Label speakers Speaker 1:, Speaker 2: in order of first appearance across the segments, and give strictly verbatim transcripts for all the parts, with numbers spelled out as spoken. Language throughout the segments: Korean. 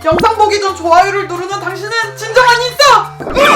Speaker 1: 영상 보기 전 좋아요를 누르는 당신은 진정한 인싸!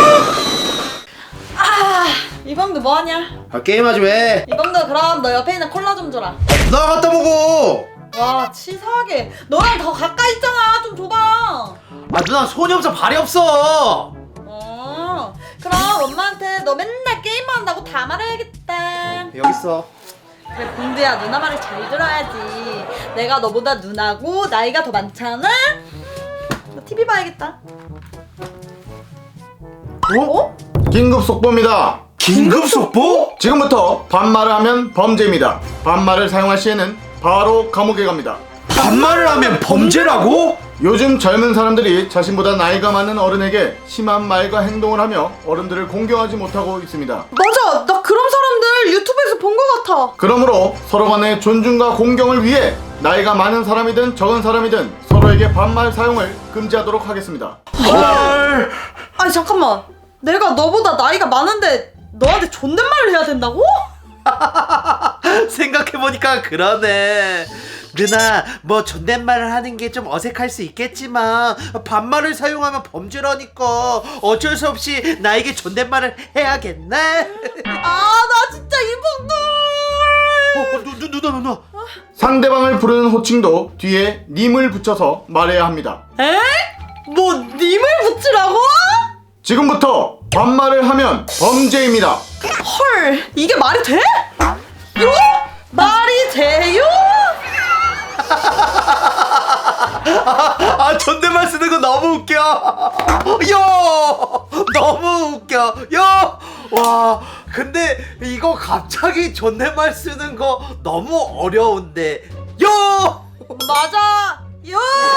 Speaker 2: 아, 이범도 뭐하냐?
Speaker 3: 아, 게임하지 왜?
Speaker 2: 이범도 그럼 너 옆에 있는 콜라 좀 줘라.
Speaker 3: 나 갖다 먹어.
Speaker 2: 와 치사하게 너랑 더 가까이 있잖아. 좀 줘봐.
Speaker 3: 아 누나 손이 없어 발이 없어.
Speaker 2: 어 그럼 엄마한테 너 맨날 게임만 한다고 다 말해야겠다.
Speaker 3: 여기 있어.
Speaker 2: 그래 봉두야 누나 말을 잘 들어야지. 내가 너보다 누나고 나이가 더 많잖아. 너 티비 봐야겠다.
Speaker 3: 어?
Speaker 4: 긴급 속보입니다.
Speaker 3: 긴급 속보?
Speaker 4: 지금부터 반말을 하면 범죄입니다. 반말을 사용할 시에는 바로 감옥에 갑니다.
Speaker 3: 반말을 하면 범죄라고?
Speaker 4: 요즘 젊은 사람들이 자신보다 나이가 많은 어른에게 심한 말과 행동을 하며 어른들을 공경하지 못하고 있습니다.
Speaker 2: 맞아 나 그런 사람들 유튜브에서 본 것 같아.
Speaker 4: 그러므로 서로 간의 존중과 공경을 위해 나이가 많은 사람이든 적은 사람이든 서로에게 반말 사용을 금지하도록 하겠습니다.
Speaker 3: 헐.
Speaker 2: 아니 잠깐만 내가 너보다 나이가 많은데 너한테 존댓말을 해야 된다고?
Speaker 5: 생각해보니까 그러네. 누나 뭐 존댓말을 하는 게 좀 어색할 수 있겠지만 반말을 사용하면 범죄라니까 어쩔 수 없이 나에게 존댓말을 해야겠네.
Speaker 2: 아 나 진짜 이봉들
Speaker 5: 어, 누, 누, 누나 누나
Speaker 4: 상대방을 부르는 호칭도 뒤에 님을 붙여서 말해야 합니다.
Speaker 2: 에? 뭐 님을 붙이라고?
Speaker 4: 지금부터 반말을 하면 범죄입니다.
Speaker 2: 헐 이게 말이 돼? 요? 말이 돼요?
Speaker 5: 아 존댓말 쓰는 거 너무 웃겨. 요 너무 웃겨. 요와 근데 이거 갑자기 존댓말 쓰는 거 너무 어려운데. 요
Speaker 2: 맞아 요?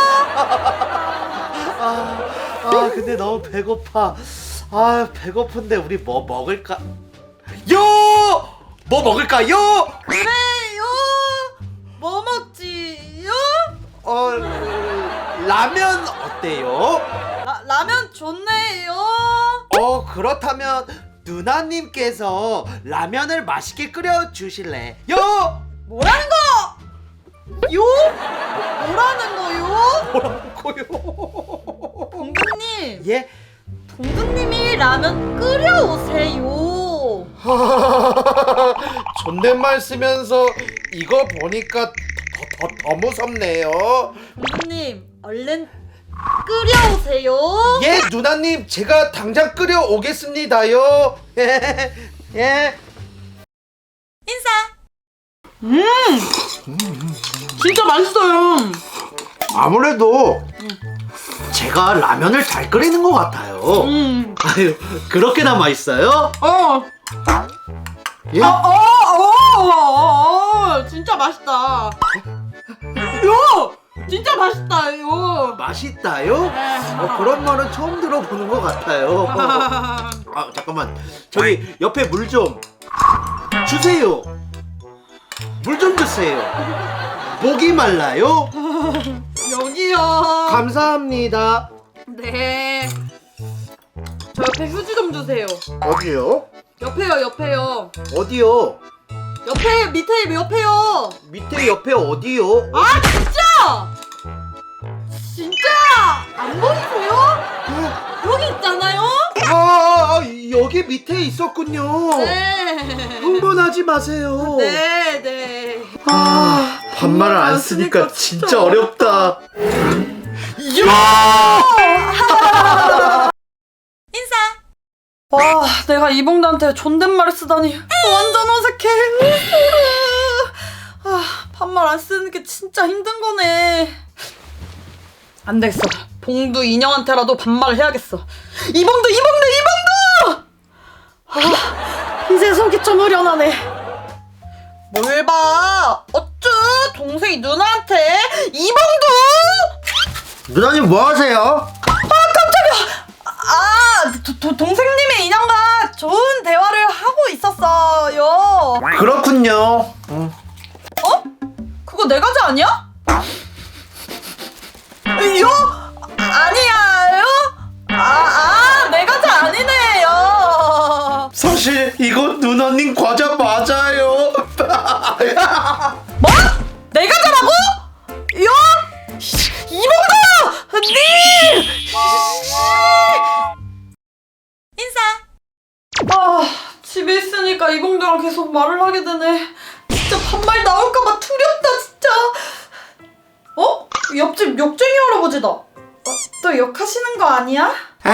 Speaker 5: 아, 아 근데 너무 배고파. 아 배고픈데 우리 뭐 먹을까? 요! 뭐 먹을까요?
Speaker 2: 그래 요? 뭐 먹지 요?
Speaker 5: 어 라면 어때요?
Speaker 2: 라, 라면 좋네요.
Speaker 5: 어 그렇다면 누나님께서 라면을 맛있게 끓여 주실래? 요!
Speaker 2: 뭐라는 거? 요? 뭐라는 거요?
Speaker 5: 뭐라고요?
Speaker 2: 동근님
Speaker 5: 예?
Speaker 2: 동근님이 라면 끓여오세요.
Speaker 5: 존댓말 쓰면서 이거 보니까 더, 더, 더 무섭네요.
Speaker 2: 동근님 얼른 끓여오세요.
Speaker 5: 예 누나님 제가 당장 끓여 오겠습니다요. 예.
Speaker 2: 인사.
Speaker 1: 진짜 맛있어요.
Speaker 5: 아무래도 제가 라면을 잘 끓이는 것 같아요.
Speaker 1: 음.
Speaker 5: 아유 그렇게나 맛있어요?
Speaker 1: 어.
Speaker 5: 예?
Speaker 1: 어, 어, 어, 어, 어, 진짜 맛있다. 요! 진짜 맛있다, 요.
Speaker 5: 맛있다요? 어, 그런 말은 처음 들어보는 것 같아요. 아 잠깐만 저기 옆에 물 좀 주세요. 물 좀 주세요. 목이 말라요?
Speaker 1: 여기요.
Speaker 5: 감사합니다.
Speaker 1: 네. 저 옆에 휴지 좀 주세요.
Speaker 5: 어디요?
Speaker 1: 옆에요, 옆에요.
Speaker 5: 어디요?
Speaker 1: 옆에, 밑에, 옆에요.
Speaker 5: 밑에 옆에 어디요?
Speaker 1: 아, 진짜! 진짜! 안 보이세요? 여기 있잖아요?
Speaker 5: 아, 아, 아 여기 밑에 있었군요.
Speaker 1: 네.
Speaker 5: 흥분하지 마세요.
Speaker 1: 네, 네.
Speaker 5: 아, 반말을 안 쓰니까 진짜 어렵다.
Speaker 2: 인사.
Speaker 1: 와, 내가 이봉도한테 존댓말을 쓰다니 완전 어색해. 아, 반말 안 쓰는 게 진짜 힘든 거네. 안 되겠어. 봉두 인형한테라도 반말을 해야겠어. 이봉두, 이봉두, 이봉두! 아, 이제 속이 좀 후련하네. 뭘 봐? 어쭈? 동생이 누나한테 이봉두!
Speaker 5: 누나님 뭐 하세요?
Speaker 1: 아, 도, 도, 동생님의 인형과 좋은 대화를 하고 있었어요.
Speaker 5: 그렇군요.
Speaker 1: 어? 그거 내 과자 아니야? 요? 아니야요? 아, 아, 내 과자 아니네요.
Speaker 5: 사실 이건 누나님 과자 맞아요.
Speaker 1: 뭐? 내 과자라고? 요? 이봉도! 니! 있으니까 이봉두랑 계속 말을 하게 되네. 진짜 반말 나올까봐 두렵다 진짜. 어? 옆집 욕쟁이 할아버지다. 어, 또 욕하시는 거 아니야?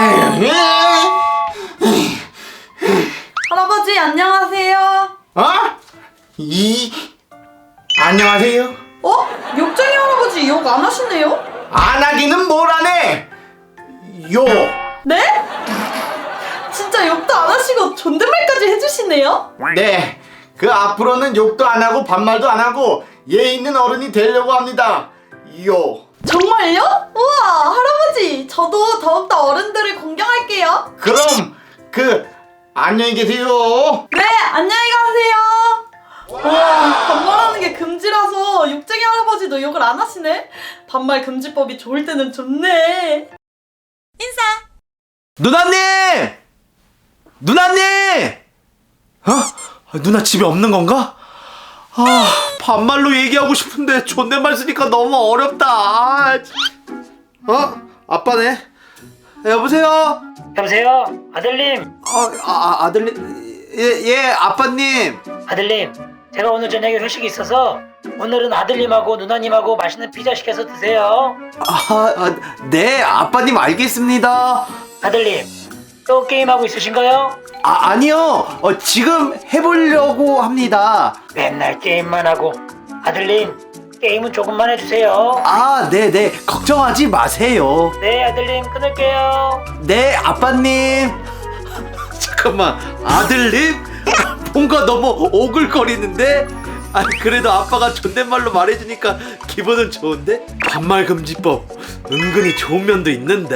Speaker 1: 할아버지 안녕하세요.
Speaker 4: 어? 이 안녕하세요.
Speaker 1: 어? 욕쟁이 할아버지 욕 안 하시네요?
Speaker 4: 안 하기는 뭘 하네. 요.
Speaker 1: 네? 진짜 욕도 안 하시고 존댓말까지 해주시네요?
Speaker 4: 네. 그 앞으로는 욕도 안 하고 반말도 안 하고 예 있는 어른이 되려고 합니다. 요.
Speaker 1: 정말요? 우와 할아버지 저도 더욱더 어른들을 공경할게요.
Speaker 4: 그럼 그 안녕히 계세요.
Speaker 1: 네 안녕히 가세요. 와 반말하는 게 금지라서 욕쟁이 할아버지도 욕을 안 하시네. 반말 금지법이 좋을 때는 좋네. 인사.
Speaker 3: 누나님! 누나님! 어? 아, 누나 집에 없는 건가? 아, 반말로 얘기하고 싶은데 존댓말 쓰니까 너무 어렵다. 아, 진- 어? 아빠네? 여보세요?
Speaker 6: 여보세요? 아들님!
Speaker 3: 어, 아, 아, 아들님? 예, 예, 아빠님.
Speaker 6: 아들님! 제가 오늘 저녁에 회식이 있어서 오늘은 아들님하고 누나님하고 맛있는 피자 시켜서 드세요.
Speaker 3: 아, 아, 네, 아빠님 알겠습니다.
Speaker 6: 아들님! 또 게임하고 있으신가요?
Speaker 3: 아, 아니요. 어, 지금 해보려고 합니다.
Speaker 6: 맨날 게임만 하고. 아들님! 게임은 조금만 해주세요.
Speaker 3: 아, 네, 네. 걱정하지 마세요.
Speaker 6: 네 아들님 끊을게요.
Speaker 3: 네, 아빠님. 잠깐만, 아들님? 뭔가 너무 오글거리는데? 아니, 그래도 아빠가 존댓말로 말해주니까 기분은 좋은데? 반말 금지법 은근히 좋은 면도 있는데?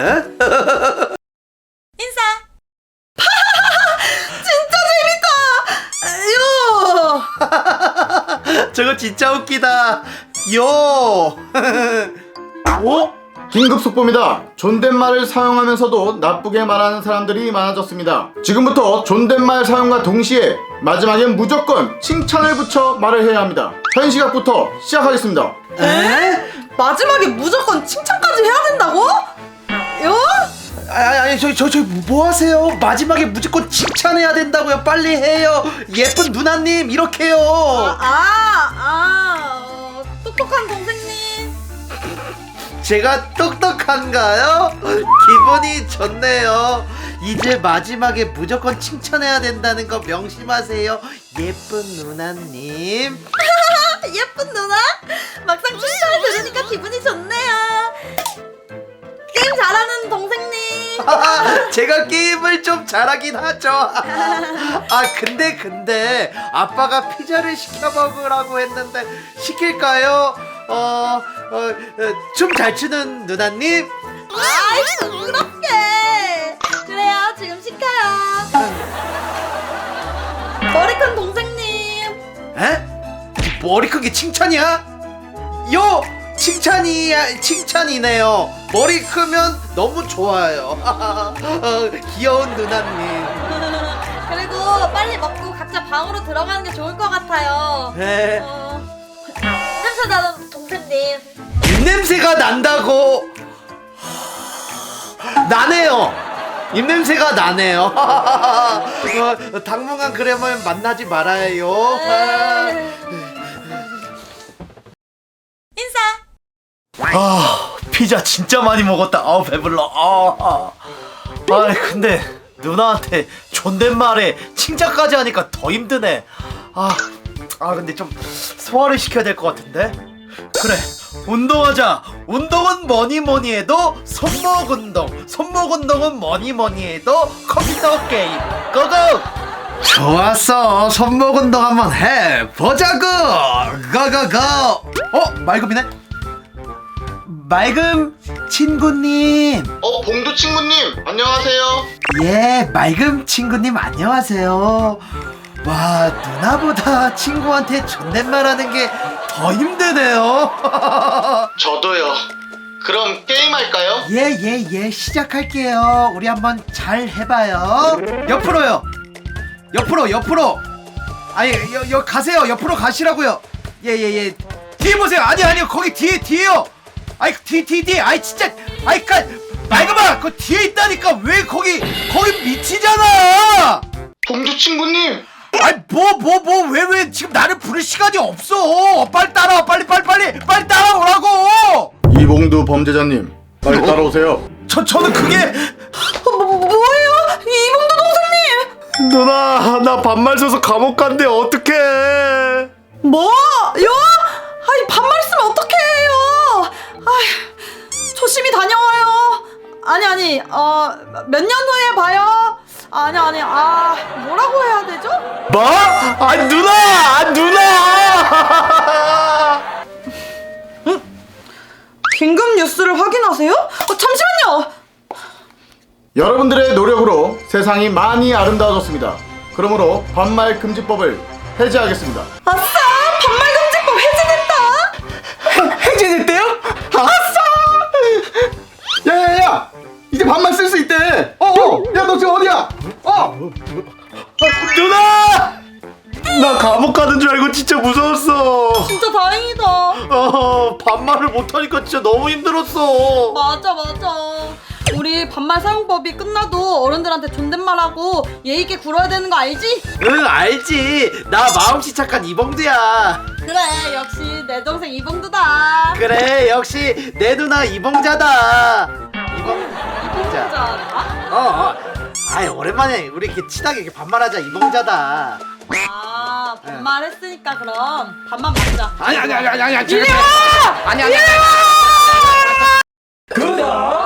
Speaker 1: 인사. 진짜 재밌다. 요.
Speaker 3: 저거 진짜 웃기다. 요. 어?
Speaker 4: 긴급 속보입니다. 존댓말을 사용하면서도 나쁘게 말하는 사람들이 많아졌습니다. 지금부터 존댓말 사용과 동시에 마지막엔 무조건 칭찬을 붙여 말을 해야 합니다. 현 시각부터 시작하겠습니다.
Speaker 1: 에? 마지막에 무조건 칭찬까지 해야 된다고? 요?
Speaker 3: 아니, 아니, 저기, 저, 저기, 뭐 하세요? 마지막에 무조건 칭찬해야 된다고요. 빨리 해요. 예쁜 누나님, 이렇게요.
Speaker 1: 아, 아, 어, 똑똑한 동생님.
Speaker 3: 제가 똑똑한가요? 기분이 좋네요. 이제 마지막에 무조건 칭찬해야 된다는 거 명심하세요. 예쁜 누나님.
Speaker 1: 예쁜 누나? 막상 칭찬을 들으니까 기분이 좋네요. 게임 잘하는 동생님.
Speaker 3: 제가 게임을 좀 잘하긴 하죠. 아, 근데 근데 아빠가 피자를 시켜 먹으라고 했는데 시킬까요? 어, 어, 춤 잘 추는 누나님?
Speaker 1: 아이 부끄럽게. 그래요 지금 시켜요. 머리 큰 동생님.
Speaker 3: 에? 머리 큰 게 칭찬이야? 요! 칭찬이, 칭찬이네요. 머리 크면 너무 좋아요. 어, 귀여운 누나님.
Speaker 1: 그리고 빨리 먹고 각자 방으로 들어가는 게 좋을 것 같아요.
Speaker 3: 네.
Speaker 1: 어, 냄새 나는 동생님.
Speaker 3: 입냄새가 난다고. 나네요. 입냄새가 나네요. 어, 당분간 그러면 만나지 말아요.
Speaker 1: 인사.
Speaker 3: 아, 피자 진짜 많이 먹었다. 아, 배불러. 아, 아, 근데 누나한테 존댓말에 칭찬까지 하니까 더 힘드네. 아, 아, 근데 좀 소화를 시켜야 될 것 같은데. 그래, 운동하자. 운동은 뭐니 뭐니 해도 손목 운동. 손목 운동은 뭐니 뭐니 해도 컴퓨터 게임. 고고. 좋았어. 손목 운동 한번 해 보자고. 고고고. 어, 맑음이네. 맑음 친구님.
Speaker 4: 어, 봉두 친구님, 안녕하세요.
Speaker 3: 예, 맑음 친구님 안녕하세요. 와, 누나보다 친구한테 존댓말하는 게 더 힘드네요.
Speaker 4: 저도요. 그럼 게임할까요?
Speaker 3: 예, 예, 예, 시작할게요. 우리 한번 잘 해봐요. 옆으로요. 옆으로, 옆으로. 아니, 여, 여 가세요. 옆으로 가시라고요. 예, 예, 예. 뒤에 보세요. 아니, 아니요. 거기 뒤에, 뒤에요. 아이, 뒤, 뒤, 뒤에. 아이, 진짜. 아이, 까, 맑음아. 그 뒤에 있다니까. 왜 거기, 거기 밑이잖아.
Speaker 4: 봉두 친구님,
Speaker 3: 아이 뭐 뭐 뭐 왜 왜 지금 나를 부를 시간이 없어. 빨리 따라와 빨리 빨리 빨리 빨리 따라오라고.
Speaker 4: 이봉두 범죄자님, 빨리 따라오세요.
Speaker 3: 저 저는 그게
Speaker 1: 뭐, 뭐, 뭐예요? 이봉두 동생님!
Speaker 3: 누나 나 반말 써서 감옥 간대 어떡해.
Speaker 1: 뭐? 요? 아이 반말 쓰면 어떡해요? 아이 조심히 다녀와요. 아니 아니 어 몇 년 후에 봐요. 아니 아니 아 뭐라고 해야 되죠?
Speaker 3: 뭐? 아 누나 아 누나.
Speaker 1: 긴급 뉴스를 확인하세요? 어, 잠시만요.
Speaker 4: 여러분들의 노력으로 세상이 많이 아름다워졌습니다. 그러므로 반말 금지법을 해제하겠습니다.
Speaker 1: 아싸 반말 금지법 해제됐다.
Speaker 3: 해제됐대요?
Speaker 4: 아싸! 야야야! 이제 반말 쓸 수 있대. 어, 어. 야, 너 지금 어디야? 어.
Speaker 3: 누나! 나 감옥 가는 줄 알고 진짜 무서웠어.
Speaker 1: 진짜 다행이다.
Speaker 3: 어, 반말을 못하니까 진짜 너무 힘들었어.
Speaker 1: 맞아 맞아. 우리 반말 사용법이 끝나도 어른들한테 존댓말하고 예의 있게 굴어야 되는 거 알지?
Speaker 5: 응 알지. 나 마음씨 착한 이봉두야.
Speaker 1: 그래 역시 내 동생 이봉두다.
Speaker 5: 그래 역시 내 누나 이봉자다. 이봉 이봉자.
Speaker 1: 이봉자다?
Speaker 5: 어. 어. 아이 오랜만에 우리 이렇게 친하게 이렇게 반말하자 이봉자다.
Speaker 1: 아 반말했으니까 그럼 반말 먹자.
Speaker 5: 아니 아니 아니 아니 아니.
Speaker 1: 이리 와!
Speaker 5: 아니 아니.
Speaker 1: 구독!